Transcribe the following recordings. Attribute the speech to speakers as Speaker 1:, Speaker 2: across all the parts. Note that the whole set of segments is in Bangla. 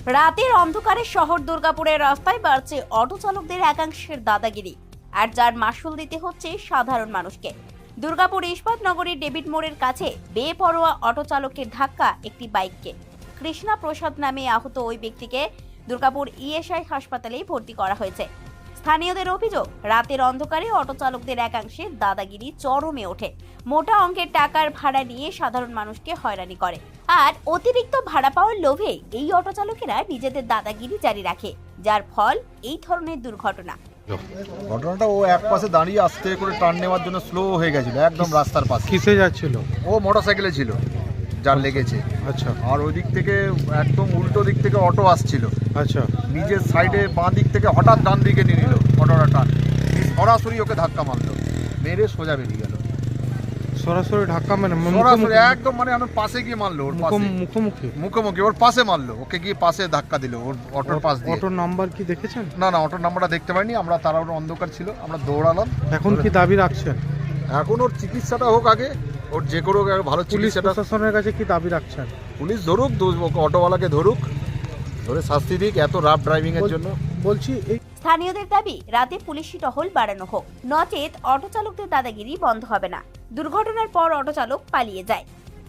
Speaker 1: রাতের অন্ধকারে শহর দুর্গাপুরের রাস্তায় বাড়ছে অটো চালকদের একাংশের দাদাগিরি, আর যার মাসুল দিতে হচ্ছে সাধারণ মানুষকে। দুর্গাপুর ইস্পাত নগরীর ডেভিড মোড়ের কাছে বেপরোয়া অটো চালকের ধাক্কা একটি বাইককে। কৃষ্ণা প্রসাদ নামে আহত ওই ব্যক্তিকে দুর্গাপুর ইএসআই হাসপাতালে ভর্তি করা হয়েছে। স্থানীয়দের অভিযোগ, রাতের অন্ধকারে অটো চালকদের একাংশে দাদাগিরি চরমে ওঠে। মোটা অঙ্কের টাকার ভাড়া নিয়ে সাধারণ মানুষকে হয়রানি করে, আর অতিরিক্ত ভাড়া পাওয়ার লোভে এই অটো চালকেরা নিজেদের দাদাগিরি জারি রাখে, যার ফল এই ধরনের দুর্ঘটনা।
Speaker 2: ঘটনাটা ও এক পাশে দাঁড়িয়ে আস্তে করে টার্ন নেওয়ার জন্য স্লো হয়ে গেছিল, একদম রাস্তার পাশে।
Speaker 3: কিসে যাচ্ছিল?
Speaker 2: ও মোটরসাইকেলে ছিল, যার লেগেছে।
Speaker 3: আচ্ছা
Speaker 2: আর ওই দিক থেকে একদম উল্টো দিক থেকে অটো আসছিল।
Speaker 3: আচ্ছা,
Speaker 2: নিজের সাইডে বাঁ দিক থেকে হঠাৎ ডান দিকে নিয়ে নিল অটোটা টান, সরাসরি ওকে ধাক্কা মারলো, মেরে সোজা বেরিয়ে গেল।
Speaker 3: সরাসরি ধাক্কা মানে
Speaker 2: সরাসরি একদম মানে আমার পাশে গিয়ে মারলো, ওর পাশে
Speaker 3: মুখোমুখি
Speaker 2: মুখোমুখি ওর পাশে মারলো, ওকে গিয়ে পাশে ধাক্কা দিল ওর অটোর পাশ দিয়ে।
Speaker 3: অটোর নাম্বার কি দেখেছেন?
Speaker 2: না না, অটোর নাম্বারটা দেখতে পাইনি আমরা, তারা অন্ধকার ছিল, আমরা দৌড়ালাম।
Speaker 3: এখন কি দাবি রাখছেন?
Speaker 2: এখন ওর চিকিৎসাটা হোক আগে, ওর যে কোনো ভালো
Speaker 3: পুলিশ
Speaker 2: চিকিৎসাটা।
Speaker 3: প্রশাসনের কাছে কি দাবি রাখছেন?
Speaker 2: পুলিশ ধরুক, অটোওয়ালাকে ধরুক, ধরে শাস্তি দিক এত রাফ ড্রাইভিং এর জন্য।
Speaker 3: বলছি এই
Speaker 1: স্থানীয়দের দাবি, রাতে পুলিশি টহল বাড়ানো হোক, নচেত অটো চালকদের দাদাগিরি বন্ধ হবে না। দুর্ঘটনার পর অটো চালক পালিয়ে যায়।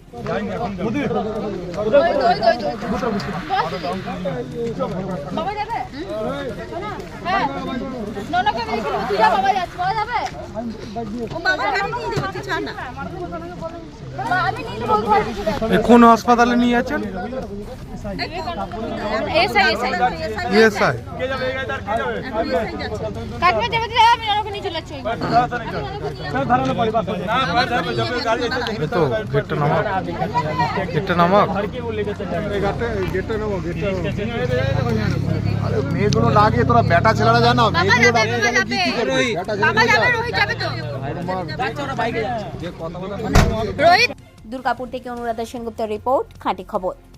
Speaker 3: কোন হাসপাতালে নিয়ে যাচ্ছেন? ইএসআই। তো গেটটা নামাক, গেটটা নামাক।
Speaker 2: আরে মেয়েগুলো লাগে, তোরা বেটা ছেলেরা জানো মেয়েগুলো লাগে
Speaker 1: দুর্গাপুর থেকে অনুরাধা সেনগুপ্তের রিপোর্ট, খাঁটি খবর।